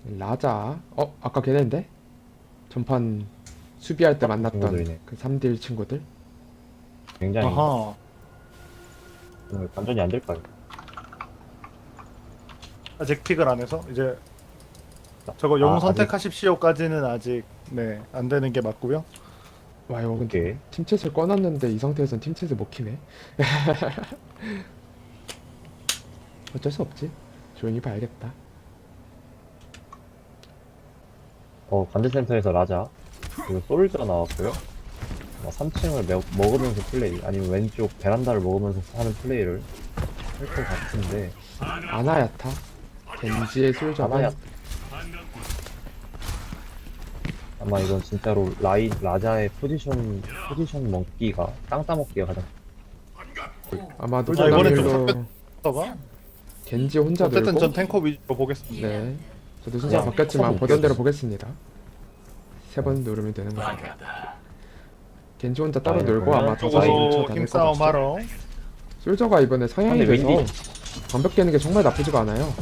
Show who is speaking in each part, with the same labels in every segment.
Speaker 1: 라자. 아까 걔네인데? 전판 수비할 때 만났던
Speaker 2: 친구들이네.
Speaker 1: 그 3딜 친구들.
Speaker 2: 굉장히
Speaker 3: 아하.
Speaker 2: 반전이 안 될까요?
Speaker 3: 아직 픽을 안 해서 이제 저거 영웅
Speaker 2: 아직?
Speaker 3: 선택하십시오까지는 아직 안 되는 게 맞고요.
Speaker 1: 와, 이거 근데
Speaker 2: 오케이.
Speaker 1: 팀챗을 꺼놨는데 이 상태에선 팀챗을 못 키네. 어쩔 수 없지. 조용히 봐야겠다.
Speaker 2: 관제센터에서 라자 그리고 솔저 나왔고요. 3층을 먹으면서 플레이 아니면 왼쪽 베란다를 먹으면서 하는 플레이를 할 것 같은데
Speaker 1: 아나야타. 겐지의 솔저가
Speaker 2: 아마야 아마 이건 진짜로 라자의 포지션 먹기가 땅 따먹기가 가장
Speaker 1: 아마도
Speaker 3: 아, 이번에 좀
Speaker 1: 소나밀로
Speaker 3: 봐봐.
Speaker 1: 겐지 혼자
Speaker 3: 어쨌든
Speaker 1: 놀고.
Speaker 3: 전 탱커 위주로 보겠습니다.
Speaker 1: 네. 저도 순서가
Speaker 2: 그냥
Speaker 1: 바뀌었지만
Speaker 2: 커서
Speaker 1: 보던 대로
Speaker 2: 웃겨서.
Speaker 1: 보겠습니다. 3번 누르면 되는 거예요. 겐지 혼자 따로
Speaker 2: 아,
Speaker 1: 놀고
Speaker 2: 그러면
Speaker 1: 아마 저
Speaker 3: 쪽으로
Speaker 1: 사이 다닐 것
Speaker 3: 힘싸움
Speaker 1: 같죠.
Speaker 3: 하러.
Speaker 1: 솔저가 이번에 서양이
Speaker 2: 근데
Speaker 1: 돼서
Speaker 2: 윈디.
Speaker 1: 방벽 깨는 게 정말 나쁘지가 않아요.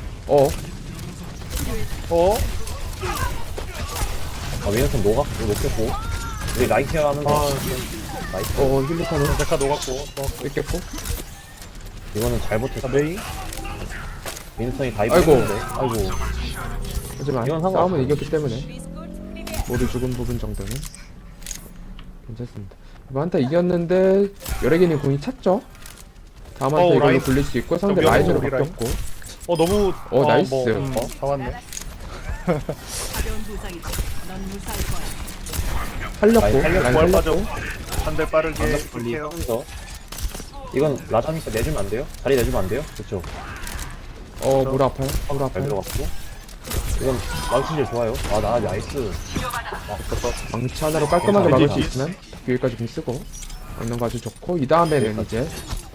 Speaker 2: 위너선 녹겠고 우리 라인 케어 하면서 나이스.
Speaker 1: 힐리카는
Speaker 3: 데카 녹았고.
Speaker 1: 뺏겼고.
Speaker 2: 이거는 잘 버텼어.
Speaker 3: 메이.
Speaker 2: 윈스턴이 다이브
Speaker 1: 아이고.
Speaker 2: 했는데 아이고
Speaker 1: 하지만
Speaker 2: 이건 상관없어요.
Speaker 1: 싸움은 이겼기 때문에 모두 죽은 부분 정도는 괜찮습니다. 이번 한타 이겼는데 여래기님 공이 찼죠? 다음 한타 이걸로
Speaker 3: 라인.
Speaker 1: 굴릴 수 있고 상대
Speaker 3: 저
Speaker 1: 라인으로
Speaker 3: 우리 라인.
Speaker 1: 바뀌었고.
Speaker 3: 너무.
Speaker 1: 나이스.
Speaker 3: 다 왔네.
Speaker 4: 가벼운 부상이다. 넌 무사할 거야.
Speaker 1: 살렸고
Speaker 2: 라인
Speaker 1: 라인
Speaker 3: 부활
Speaker 1: 살렸고.
Speaker 3: 한 대 빠르게
Speaker 2: 완벽 분리하면서 이건 라자니까 내주면 안 돼요? 자리 내주면 안 돼요? 그쵸?
Speaker 1: 물 아파요? 물
Speaker 2: 잘
Speaker 1: 아파요?
Speaker 2: 들어갔고 이건 망치질 좋아요. 나이스.
Speaker 1: 망치 하나로 깔끔하게
Speaker 3: 아,
Speaker 1: 막을 수
Speaker 3: 이제
Speaker 1: 있으면 여기까지 공 쓰고 막는 거 아주 좋고. 이 다음에는 이제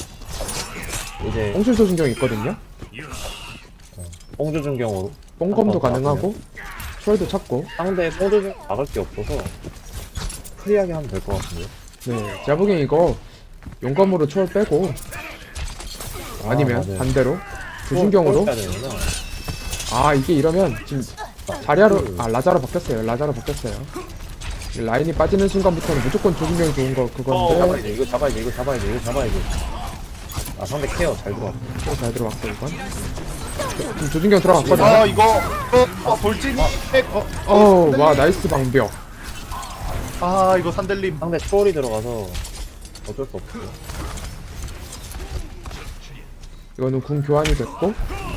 Speaker 2: 이제
Speaker 1: 뽕술소 중경이 있거든요.
Speaker 2: 뽕조준경으로
Speaker 1: 뽕검도
Speaker 2: 한번
Speaker 1: 가능하고 초월도 찾고.
Speaker 2: 상대 뽕조준 막을 게 없어서 프리하게 하면 될 것 같은데요?
Speaker 1: 네, 제가 보기엔 이거 용검으로 초월 빼고 아니면
Speaker 2: 맞아요.
Speaker 1: 반대로 조준경으로.
Speaker 2: 뽕 빼야 되는구나.
Speaker 1: 이게 이러면 지금 자리아로 라자로 바뀌었어요. 라자로 바뀌었어요. 라인이 빠지는 순간부터는 무조건 조준경이 좋은 거 그건데.
Speaker 2: 이거 잡아야지. 상대 케어 잘 들어갔고.
Speaker 1: 잘 들어갔고 이건. 지금 조준경 들어갔거든요.
Speaker 3: 이거. 돌진이.
Speaker 1: 와 나이스 방벽.
Speaker 3: 이거 산들림.
Speaker 2: 상대 초월이 들어가서 어쩔 수 없어요.
Speaker 1: 이거는 궁 교환이 됐고.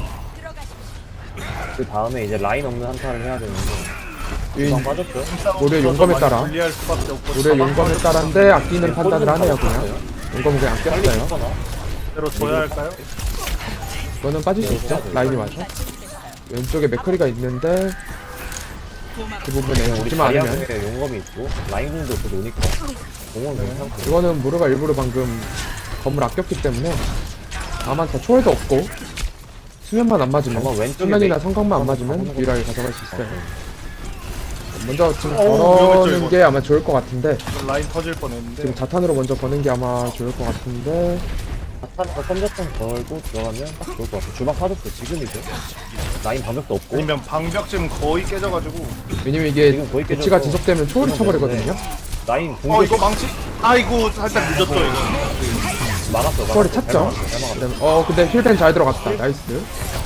Speaker 2: 그 다음에 이제 라인 없는 한타를 해야 되는데 금방 빠졌죠?
Speaker 1: 우리의 용검에 따라.
Speaker 3: 불리할 수밖에 없고.
Speaker 1: 우리의 용검에 따라인데 아끼는 판단을 하네요 그냥. 용검은 그냥
Speaker 2: 빨리
Speaker 1: 아꼈어요.
Speaker 2: 죽거나
Speaker 3: 대로 줘야 할까요?
Speaker 1: 이거는 빠질 수 있죠? 라인이 와서. 왼쪽에 맥커리가 있는데 그 부분에
Speaker 2: 우리
Speaker 1: 죽지만 않으면.
Speaker 2: 자리아에 용검이 있고 라인 궁도 또 노니까 공은 괜찮고
Speaker 1: 이거는 무르가 일부러 방금 검을 아꼈기 때문에 다만 더 초월도 없고 수면만 안 맞으면,
Speaker 2: 아마 왼쪽에
Speaker 1: 수면이나
Speaker 2: 메이-
Speaker 1: 성광만 안
Speaker 2: 한번
Speaker 1: 맞으면
Speaker 2: 가보는
Speaker 1: 유일하게 가져갈 수 있어요. 먼저 지금
Speaker 3: 위험했죠,
Speaker 1: 거는
Speaker 3: 이거.
Speaker 1: 게 아마 좋을 것 같은데,
Speaker 3: 라인 터질 뻔했는데.
Speaker 1: 지금 자탄으로 먼저 거는 게 아마 좋을 것 같은데.
Speaker 2: 자탄에서 선제점 걸고 들어가면 딱 좋을 것 같아요. 주방 빠졌어 지금이죠. 라인 방벽도 없고
Speaker 3: 아니면 방벽 지금 거의 깨져가지고.
Speaker 1: 왜냐면 이게
Speaker 2: 지금 거의
Speaker 1: 배치가
Speaker 2: 깨져서
Speaker 1: 지속되면 초월이 쳐버리거든요.
Speaker 2: 라인 공격
Speaker 3: 이거 망치? 아이고 살짝 늦었죠 이거.
Speaker 2: 막았어.
Speaker 1: 초월이
Speaker 2: 잘
Speaker 1: 찼죠?
Speaker 2: 막았어, 잘 막았어.
Speaker 1: 그다음에 근데 힐벤 잘 들어갔다. 나이스.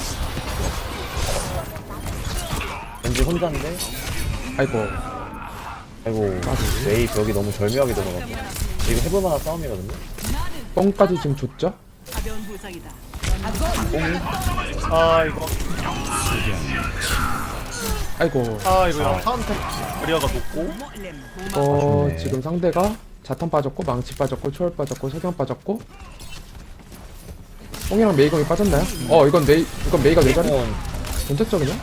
Speaker 2: 왠지 혼자인데
Speaker 1: 아이고.
Speaker 2: 메이 벽이 너무 절묘하게 들어가고 이거 해볼만한 싸움이거든요.
Speaker 1: 뻥까지 지금 줬죠?
Speaker 4: 가벼운 부상이다.
Speaker 3: 이거.
Speaker 1: 아이고.
Speaker 3: 이거 카운터 거리아가 높고.
Speaker 2: 아쉽네.
Speaker 1: 지금 상대가 자탄 빠졌고 망치 빠졌고 초월 빠졌고 석양 빠졌고 뽕이랑 메이검이 빠졌나요? 이건 메이가 왜 잘해?
Speaker 2: 이건
Speaker 1: 던졌죠 그냥?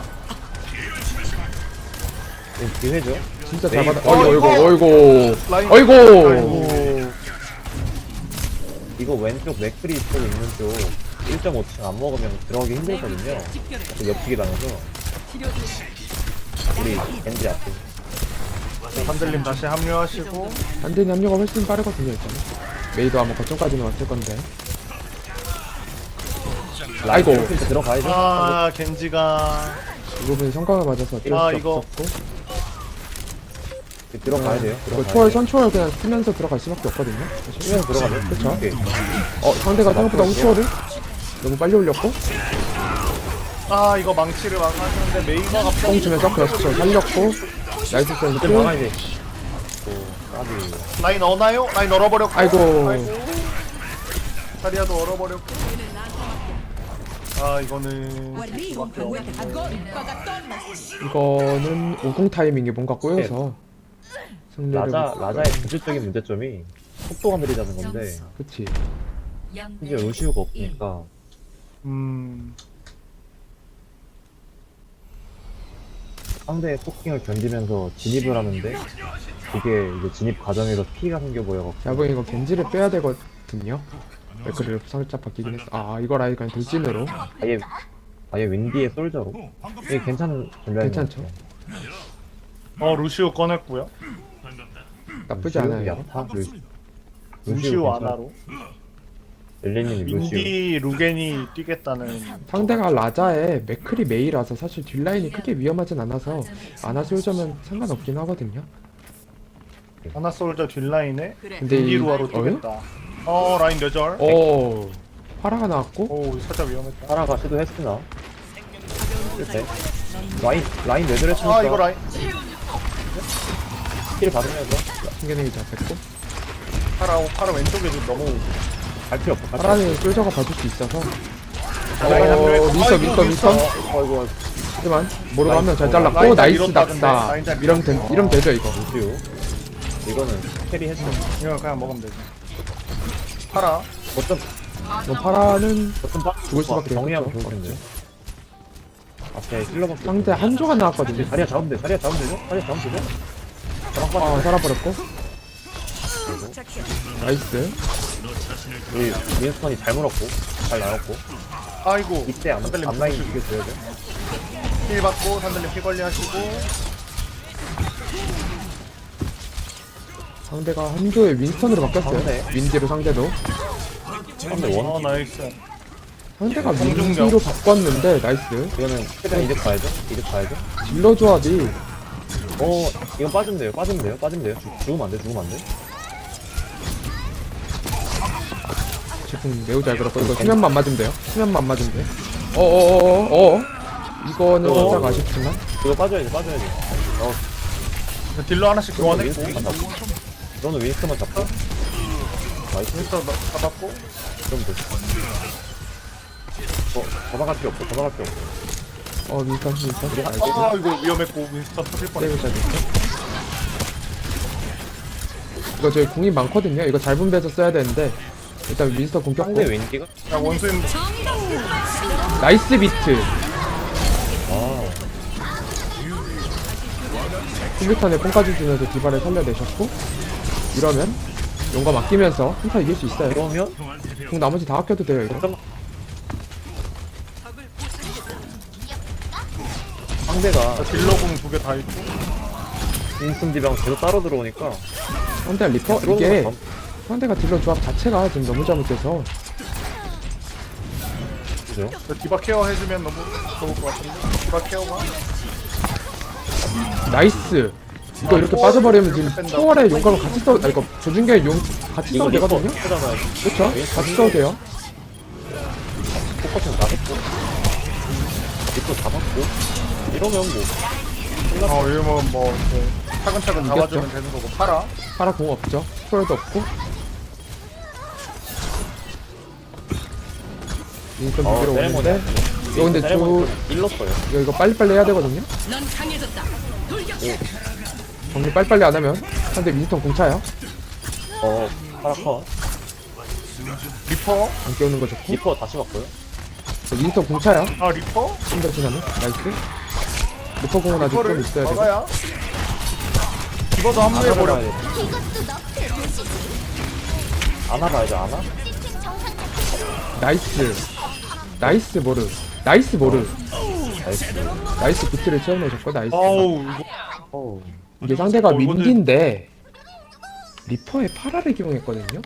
Speaker 2: 기회죠.
Speaker 1: 진짜 잘
Speaker 2: 메이-
Speaker 1: 받아. 어이구.
Speaker 3: 라인.
Speaker 1: 어이구.
Speaker 2: 이거 왼쪽 맥크리 쪽 있는 쪽 1.5층 안 먹으면 들어가기 힘들거든요. 그 옆치기 당해서 우리 겐지 앞에
Speaker 3: 산들림 다시 합류하시고.
Speaker 1: 반대니 합류가 훨씬 빠르거든요 일단은. 메이도 아마 거점까지는 왔을 건데. 아이고.
Speaker 2: 라인 들어가야죠.
Speaker 3: 겐지가.
Speaker 1: 이 부분이 성광을 맞아서 어쩔
Speaker 3: 아,
Speaker 1: 수
Speaker 3: 이거.
Speaker 1: 없었고.
Speaker 2: 들어가야 돼요.
Speaker 1: 이거
Speaker 2: 들어가야
Speaker 1: 초월
Speaker 2: 돼요.
Speaker 1: 선초월 그냥 쓰면서 들어갈 수밖에 없거든요.
Speaker 2: 치면서 들어가면
Speaker 1: 그쵸?
Speaker 2: 오케이.
Speaker 1: 상대가 생각보다 후초월을 너무 빨리 올렸고
Speaker 3: 아, 이거 망치를 막았는데 메이가 갑자기.
Speaker 1: 뽕 주면서 그렇죠 살렸고 나이스
Speaker 2: 이제
Speaker 1: 센스.
Speaker 2: 막아야 돼. 또 까비.
Speaker 3: 라인 얻나요? 라인 얼어버렸고.
Speaker 1: 아이고.
Speaker 3: 자리야도 얼어버렸고. 아, 이거는.
Speaker 1: 이거는 50 타이밍이 뭔가 꼬여서 승리를
Speaker 2: 라자의 본질적인 문제점이 속도가 느리다는 건데
Speaker 1: 그치.
Speaker 2: 이제 루시우가 없으니까 상대의 포킹을 견디면서 진입을 하는데 그게 이제 진입 과정에서 피가 생겨 보여갖고
Speaker 1: 야봉 이거 겐지를 빼야 되거든요. 그래도 살짝 바뀌긴 했어. 아 이거 라인 그냥 돌진으로
Speaker 2: 아예 윈디의 솔저로 이게 괜찮은 전략인 것
Speaker 1: 괜찮죠?
Speaker 2: 같아요.
Speaker 3: 루시우 꺼냈고요.
Speaker 1: 나쁘지
Speaker 2: 루시우
Speaker 1: 않아요.
Speaker 2: 야타?
Speaker 3: 루시우 아나로.
Speaker 2: 엘리님이 루시우
Speaker 3: 윈디 루겐이 뛰겠다는.
Speaker 1: 상대가 라자에 맥크리 메이라서 사실 뒷라인이 크게 위험하진 않아서 아나 솔저면 상관없긴 하거든요.
Speaker 3: 아나 솔저 뒷라인에
Speaker 4: 그래.
Speaker 1: 근데
Speaker 3: 윈디
Speaker 1: 이
Speaker 3: 루아로 뛰겠다. 라인 뇌절.
Speaker 1: 오 파라가 나왔고
Speaker 3: 오, 살짝 위험했다.
Speaker 2: 하나가 시도했으나
Speaker 4: 가벼운
Speaker 2: 실패.
Speaker 4: 부상이다.
Speaker 2: 라인 뇌절했으니까
Speaker 3: 아, 이거 라인.
Speaker 2: 킬 받으면서
Speaker 1: 승계능이 잡혔고
Speaker 3: 파라 왼쪽에 좀 너무.
Speaker 2: 갈 필요 없어.
Speaker 1: 파라는 솔저가 봐줄 수 있어서
Speaker 2: 라인 한 명에
Speaker 1: 민선
Speaker 2: 아이고
Speaker 1: 하지만 모르고 한 명 잘 잘랐고
Speaker 3: 라인 잘
Speaker 1: 나이스
Speaker 3: 밀었다, 근데.
Speaker 1: 낙사
Speaker 3: 라인 잘
Speaker 1: 이러면 되죠 이거.
Speaker 2: 루시우 이거는 캐리 했어.
Speaker 3: 이거 그냥 먹으면 되지. 파라.
Speaker 2: 어떤
Speaker 1: 뭐 파라는
Speaker 2: 빠
Speaker 1: 죽을 수밖에
Speaker 2: 정리하면
Speaker 1: 없죠.
Speaker 2: 좋을 텐데. 앞에 힐러밖에
Speaker 1: 상대 한조가 나왔거든요.
Speaker 2: 자리야 잡으면 돼. 자리야 잡으면 되죠? 자리야 잡으면 되죠?
Speaker 1: 아 살아버렸고 나이스.
Speaker 2: 우리 윈스턴이 잘 물었고 잘 나왔고
Speaker 3: 아이고.
Speaker 2: 이때
Speaker 3: 산들님
Speaker 2: 앞라인 이겨줘야죠.
Speaker 3: 힐 받고 산들님 피 관리하시고.
Speaker 1: 상대가 한조의 윈스턴으로 바뀌었어요.
Speaker 2: 상대.
Speaker 1: 윈디로 상대도
Speaker 2: 상대 원
Speaker 3: 나이스.
Speaker 1: 상대가
Speaker 3: 공중력.
Speaker 1: 윈디로 바꿨는데 나이스.
Speaker 2: 이거는 최대한 이득 봐야죠. 이득 봐야죠.
Speaker 1: 딜러 조합이
Speaker 2: 이건 빠지면 돼요. 빠지면 돼요. 죽으면 안 돼. 죽으면 안 돼.
Speaker 1: 제품 매우 잘 걸었고 이거 수면만 맞으면 돼요. 수면만 맞으면 돼. 어어어어 이거는 살짝 아쉽지만
Speaker 2: 이거 빠져야지.
Speaker 3: 딜러 하나씩 교환했고.
Speaker 2: 윈스턴만 잡고. 너는 윈스턴만 잡고. 나이스.
Speaker 3: 윈스터 잡았고.
Speaker 2: 그럼 돼. 더 나갈 필요 없어.
Speaker 1: 윈스턴 나이스.
Speaker 3: 아, 이거 위험했고 윈스터 터질 뻔했어.
Speaker 1: 세이브 잘 됐어. 이거 저희 궁이 많거든요. 이거 잘 분배해서 써야 되는데 일단 윈스턴 궁 꼈고
Speaker 2: 상대 윈디가
Speaker 3: 자, 원수인
Speaker 1: 나이스 비트. 컴퓨턴에 뽕까지 주면서 디바를 살려내셨고 이러면 용감 아끼면서 한타 이길 수 있어요.
Speaker 2: 그러면
Speaker 1: 궁 나머지 다 아껴도 돼요 이거.
Speaker 2: 잠깐만. 상대가
Speaker 3: 딜러공 2개 다 있고.
Speaker 2: 윈스턴 디방 계속 따로 들어오니까
Speaker 1: 상대 리퍼 이게 상대가 딜러 조합 자체가 지금 너무 잘못돼서
Speaker 2: 그죠?
Speaker 3: 저 디바 케어 해주면 너무 좋을 것 같은데. 디바 케어가.
Speaker 1: 나이스. 이거 이렇게 빠져버리면 지금 초월에 용감을 같이 써도 이거 조준계에 용 같이 써도 되거든요.
Speaker 2: 하잖아요.
Speaker 1: 그쵸? 같이 써도 돼요.
Speaker 2: 똑같은 나겠고 리퍼 잡았고 이러면 뭐
Speaker 3: 이러면 뭐 이렇게 차근차근
Speaker 1: 이겼죠?
Speaker 3: 잡아주면 되는 거고. 파라.
Speaker 1: 파라 공 없죠. 초월도 없고. 윈스턴 두 개로 오는데 이거 근데
Speaker 2: 일렀어요.
Speaker 1: 이거 빨리빨리 해야 되거든요.
Speaker 4: 넌 강해졌다. 돌격.
Speaker 1: 정리 빨리빨리 안 하면 상대 윈스턴 공차요.
Speaker 2: 파라커
Speaker 3: 리퍼.
Speaker 1: 안 깨우는 거 좋고.
Speaker 2: 리퍼 다시 왔고요.
Speaker 1: 윈스턴 공차요.
Speaker 3: 아, 리퍼.
Speaker 1: 힘들어 지나면 나이스. 리퍼 공은 아직 좀
Speaker 3: 리퍼를
Speaker 1: 있어야 되고.
Speaker 3: 막아야. 디바도 합류해버려.
Speaker 2: 아나 봐야죠. 아나?
Speaker 1: 나이스. 나이스 모르. 나이스 모르.
Speaker 2: 나이스.
Speaker 1: 나이스 비트를 채워내셨고 나이스.
Speaker 3: 어우, 이거.
Speaker 2: 어우.
Speaker 1: 이게 상대가
Speaker 3: 이거는-
Speaker 1: 민기인데 리퍼의 파라를 기용했거든요.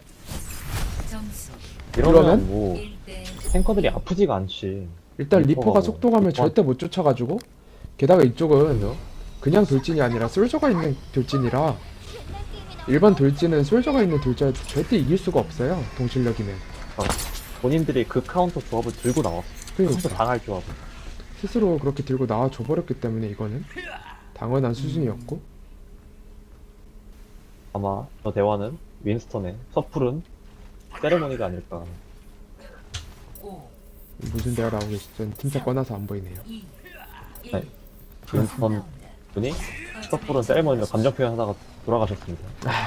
Speaker 2: 이러면
Speaker 1: 그러면?
Speaker 2: 뭐 탱커들이 아프지가 않지.
Speaker 1: 일단 리퍼가
Speaker 2: 리퍼가
Speaker 1: 속도감을
Speaker 2: 리퍼-
Speaker 1: 절대 못 쫓아가지고 게다가 이쪽은 그냥 돌진이 아니라 솔저가 있는 돌진이라 일반 돌진은 솔저가 있는 돌진 절대 이길 수가 없어요. 동실력이면.
Speaker 2: 본인들이 그 카운터 조합을 들고 나왔어.
Speaker 1: 그러니까
Speaker 2: 카운터 당할 조합을.
Speaker 1: 스스로 그렇게 들고 나와 줘버렸기 때문에 이거는 당연한 수준이었고.
Speaker 2: 아마 저 대화는 윈스턴의 섣부른 세레모니가 아닐까.
Speaker 1: 무슨 대화 나오고 있든 팀차 꺼놔서 안 보이네요.
Speaker 2: 네. 윈스턴 분이 섣부른 세레모니로 감정 표현하다가 돌아가셨습니다.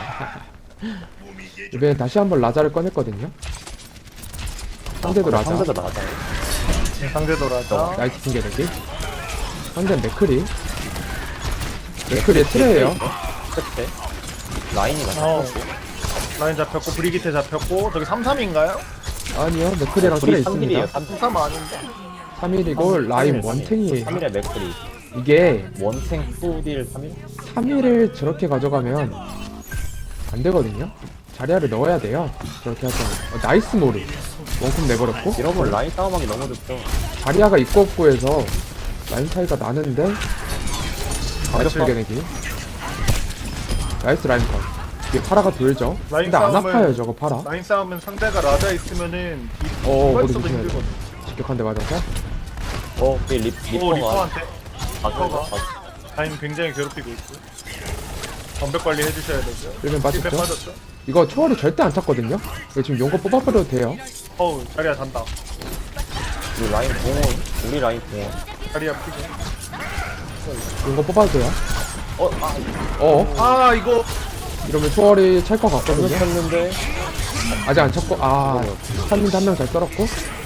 Speaker 1: 이번에 다시 한번 라자를 꺼냈거든요. 상대도 라자.
Speaker 2: 상대도 나가잖아요.
Speaker 3: 상대도 라자.
Speaker 1: 나이스 핑계대기. 상대는 맥크리. 맥크리의 트레예요.
Speaker 2: 끝에 라인이
Speaker 3: 어.
Speaker 2: 나갔고
Speaker 3: 라인 잡혔고 브리기테 잡혔고 저기 3-3인가요?
Speaker 1: 아니요, 맥크리랑 트레
Speaker 2: 둘이 3일이에요.
Speaker 1: 있습니다.
Speaker 3: 3-3 아닌데?
Speaker 1: 3일이고 라인 원탱이에요.
Speaker 2: 3일에 맥크리
Speaker 1: 이게
Speaker 2: 원탱 2딜 3일?
Speaker 1: 3일을 저렇게 가져가면 안 되거든요. 자리아를 넣어야 돼요. 저렇게 하자면. 나이스 모리. 원콤 내버렸고.
Speaker 2: 이러면 라인 싸움하기 너무 좋죠.
Speaker 1: 자리아가 있고 없고 해서 라인 차이가 나는데 가격 발견내기. 나이스 라인 컷. 이게 파라가 돌죠.
Speaker 3: 라인
Speaker 1: 근데 안
Speaker 3: 싸움을-
Speaker 1: 아파요 저거 파라.
Speaker 3: 라인 싸우면 상대가 라자 있으면은
Speaker 1: 머리
Speaker 3: 이발서도
Speaker 1: 조심해야 돼.
Speaker 3: 힘들거든.
Speaker 1: 직격한 대 맞아서.
Speaker 2: 그
Speaker 3: 오
Speaker 2: 리퍼가
Speaker 3: 리퍼한테
Speaker 2: 가져가.
Speaker 3: 라인 굉장히 괴롭히고 있고 전백 관리 해주셔야 되고요.
Speaker 1: 1면
Speaker 3: 1배
Speaker 1: 빠졌죠.
Speaker 3: 빠졌죠.
Speaker 1: 이거 초월이 절대 안 찼거든요. 이거 지금 용거 뽑아버려도 돼요.
Speaker 3: 어우 자리야 잔다.
Speaker 2: 우리 라인 공원, 우리 라인 공원.
Speaker 3: 자리야 피고.
Speaker 1: 용거 뽑아도 돼요.
Speaker 2: 아,
Speaker 3: 아 이거
Speaker 1: 이러면 초월이 찰 것 같거든요.
Speaker 2: 잘못했는데
Speaker 1: 아직 안 찼고, 한민도 한 명 잘 썰었고.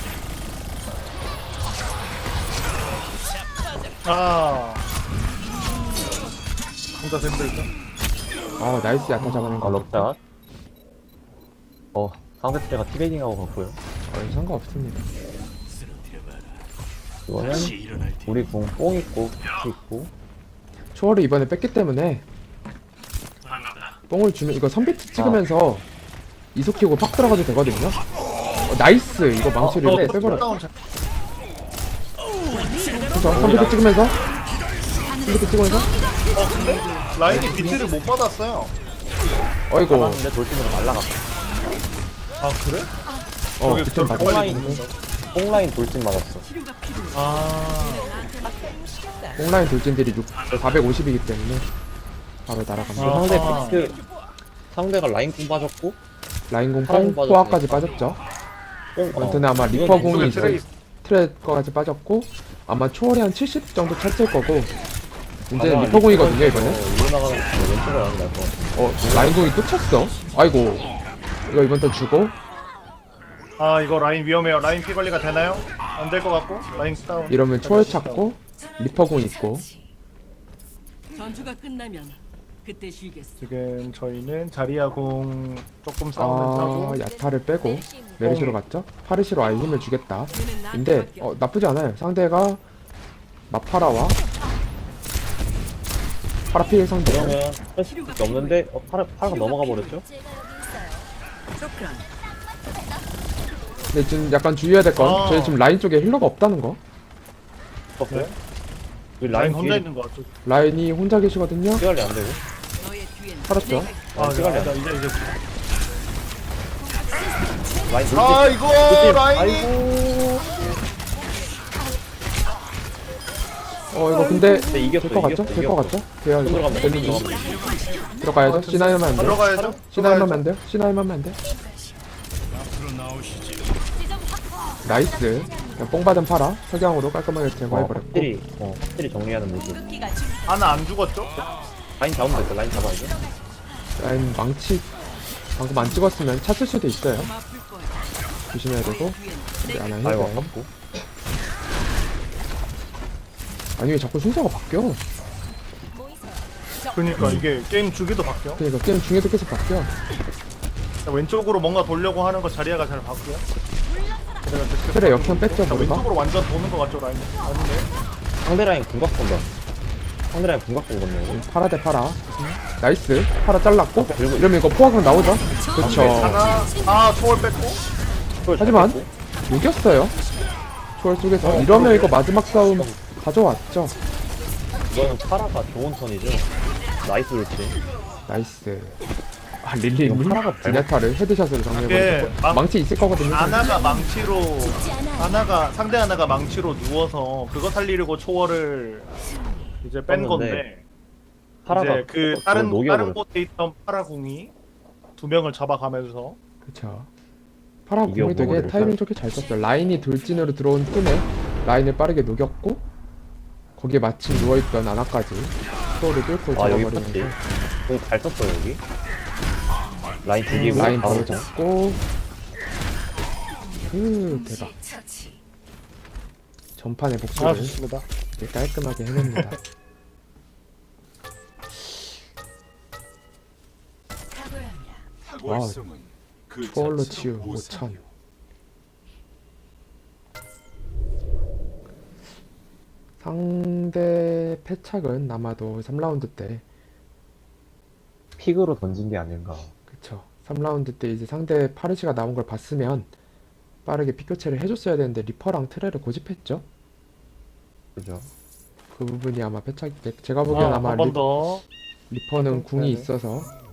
Speaker 3: 혼자 힘들죠.
Speaker 1: 나이스 야타 잡아낸 거.
Speaker 2: 럭샷. 상대 트레가 티베이징하고 갔고요.
Speaker 1: 상관없습니다.
Speaker 2: 이거는 우리 궁 뽕 있고 피 있고
Speaker 1: 초월을 이번에 뺐기 때문에 뽕을 주면 이거 선비트 찍으면서 이속 키고 팍 들어가도 되거든요. 나이스. 이거 망치를 빼버렸어.
Speaker 3: 다운
Speaker 1: 그쵸? 선비트 찍으면서 선비트 찍으면서
Speaker 3: 근데 라인이 비트를 못 받았어요.
Speaker 1: 어이고.
Speaker 2: 근데 돌진으로 날라갔어.
Speaker 3: 아 그래? 저기
Speaker 1: 비트
Speaker 3: 저렇게
Speaker 1: 맞아.
Speaker 3: 빨리
Speaker 2: 뽕라인
Speaker 3: 붙는다.
Speaker 2: 뽕라인 돌진 맞았어.
Speaker 3: 아
Speaker 1: 뽕라인 돌진들이 450이기 때문에 바로 날아갑니다.
Speaker 2: 상대
Speaker 3: 아하.
Speaker 2: 비트 상대가 라인 궁 빠졌고
Speaker 1: 라인공
Speaker 2: 사람
Speaker 1: 뽕, 포화까지 빠졌죠.
Speaker 2: 뽕
Speaker 1: 원트는 아마
Speaker 2: 이건
Speaker 1: 리퍼 공이
Speaker 3: 왼쪽에
Speaker 1: 있을 트랙까지 빠졌고 아마 초월이 한 70 정도 찼을 거고 이제는 리퍼 공이거든요 이번에.
Speaker 2: 위로 나가는 거 왼쪽으로 가는 게 나을 것 같아.
Speaker 1: 라인 공이 또 찼어. 아이고. 이거 이번 턴 주고
Speaker 3: 아 이거 라인 위험해요. 라인 피 관리가 되나요? 안 될 것 같고 라인 다운.
Speaker 1: 이러면 초월 찾고 리퍼 공 있고
Speaker 4: 전투가 끝나면 그때 쉬겠어.
Speaker 3: 지금 저희는 자리야 공 조금 싸우면 싸고
Speaker 1: 야타를 빼고 메르시로 갔죠. 파르시로 아예 힘을 주겠다. 근데 나쁘지 않아요. 상대가 마파라와 파라필 상대.
Speaker 2: 그러면 할 수 없는데 파라가 넘어가 버렸죠?
Speaker 4: 쇼크란.
Speaker 1: 근데 지금 약간 주의해야 될 건 저희 지금 라인 쪽에 힐러가 없다는 거.
Speaker 2: 없어요? 우리
Speaker 3: 라인
Speaker 2: 라인
Speaker 3: 혼자
Speaker 2: 뒤에
Speaker 3: 있는 것 같아.
Speaker 1: 라인이 혼자 계시거든요.
Speaker 2: 시간이 안 되고
Speaker 4: 너의 뒤엔
Speaker 1: 살았죠.
Speaker 3: 아
Speaker 2: 시간이 안
Speaker 3: 이제
Speaker 2: 라인 돌진.
Speaker 3: 아 이거 라인이
Speaker 2: 아이고.
Speaker 1: 이거 근데
Speaker 2: 근데 이겼어.
Speaker 1: 될 것 같죠? 될 것 같죠? 돼요 이거.
Speaker 2: 들어가면 돼.
Speaker 1: 되는 거.
Speaker 2: 들어가면 돼.
Speaker 1: 들어가야죠. 시나이만 안 돼요.
Speaker 3: 들어가야죠.
Speaker 1: 시나이만 안 돼요. 시나이만 안 돼. 나이스. 그냥 뽕 받은 파라 석양으로 깔끔하게 제거해버렸고.
Speaker 2: 확실히 정리하는 모습.
Speaker 3: 하나 안 죽었죠?
Speaker 2: 라인 잡으면 됐어. 라인 잡아야죠.
Speaker 1: 라인 망치 방금 안 찍었으면 찼을 수도 있어요.
Speaker 4: 아플 거야.
Speaker 1: 조심해야 되고. 우리 아나
Speaker 2: 아이고
Speaker 1: 해야 돼.
Speaker 2: 아깝고.
Speaker 1: 아니 왜 자꾸 순서가 바뀌어?
Speaker 3: 그니까 이게 게임 주기도 바뀌어.
Speaker 1: 그러니까 게임 중에도 계속 바뀌어.
Speaker 3: 왼쪽으로 뭔가 돌려고 하는 거 자리야가 잘 봤고요.
Speaker 1: 틀에 역행 뺐죠 머리가?
Speaker 3: 왼쪽으로 완전 도는 것 같죠 라인. 아닌데?
Speaker 2: 상대 라인 궁각 본다. 상대 라인 궁각 보거든요.
Speaker 1: 파라 대 파라. 나이스. 파라 잘랐고.
Speaker 2: 그리고
Speaker 1: 이러면 이거 포화강 나오죠? 그쵸.
Speaker 3: 하나 초월 뺐고.
Speaker 1: 하지만 이겼어요. 초월 속에서 이러면 이거 마지막 싸움 가져왔죠.
Speaker 2: 이거는 파라가 좋은 턴이죠. 나이스 울지.
Speaker 1: 나이스. 아 릴리님
Speaker 2: 이거 파라가
Speaker 1: 디네타를 헤드샷으로
Speaker 3: 이게
Speaker 1: 정리해버렸어. 망치 있을 거거든요.
Speaker 3: 아나가 망치로 상대 아나가 망치로 누워서 그거 살리려고 초월을 이제 뺀
Speaker 2: 떴는데
Speaker 3: 건데
Speaker 2: 파라가
Speaker 3: 이제 그
Speaker 2: 그걸
Speaker 3: 다른
Speaker 2: 녹여버렸어.
Speaker 3: 곳에 있던 파라궁이 두 명을 잡아가면서
Speaker 1: 그쵸. 파라 공이
Speaker 2: 이겨보고
Speaker 1: 되게
Speaker 2: 그럴까요?
Speaker 1: 타이밍 좋게 잘 썼어요. 라인이 돌진으로 들어온 틈에 라인을 빠르게 녹였고 거기에 마침 누워있던 아나까지 소울을 뚫고
Speaker 2: 아 여기
Speaker 1: 잡아버리면서
Speaker 2: 팠지. 여기 잘 썼어 여기. 라인 죽이고
Speaker 1: 라인
Speaker 2: 바로
Speaker 1: 바로 잡고 대박. 전판의
Speaker 3: 아
Speaker 1: 복수를
Speaker 3: 좋습니다.
Speaker 1: 이렇게 깔끔하게 해냅니다. 와우. 초월로 치유 5000. 상대 패착은 아마도 3라운드 때
Speaker 2: 픽으로 던진 게 아닌가.
Speaker 1: 그쵸. 3라운드 때 이제 상대 파르시가 나온 걸 봤으면 빠르게 픽 교체를 해줬어야 되는데 리퍼랑 트레를 고집했죠.
Speaker 2: 그죠?
Speaker 1: 그 부분이 아마 패착. 제가 보기엔 아마
Speaker 3: 한 번 더.
Speaker 1: 리퍼는 궁이
Speaker 3: 네.
Speaker 1: 있어서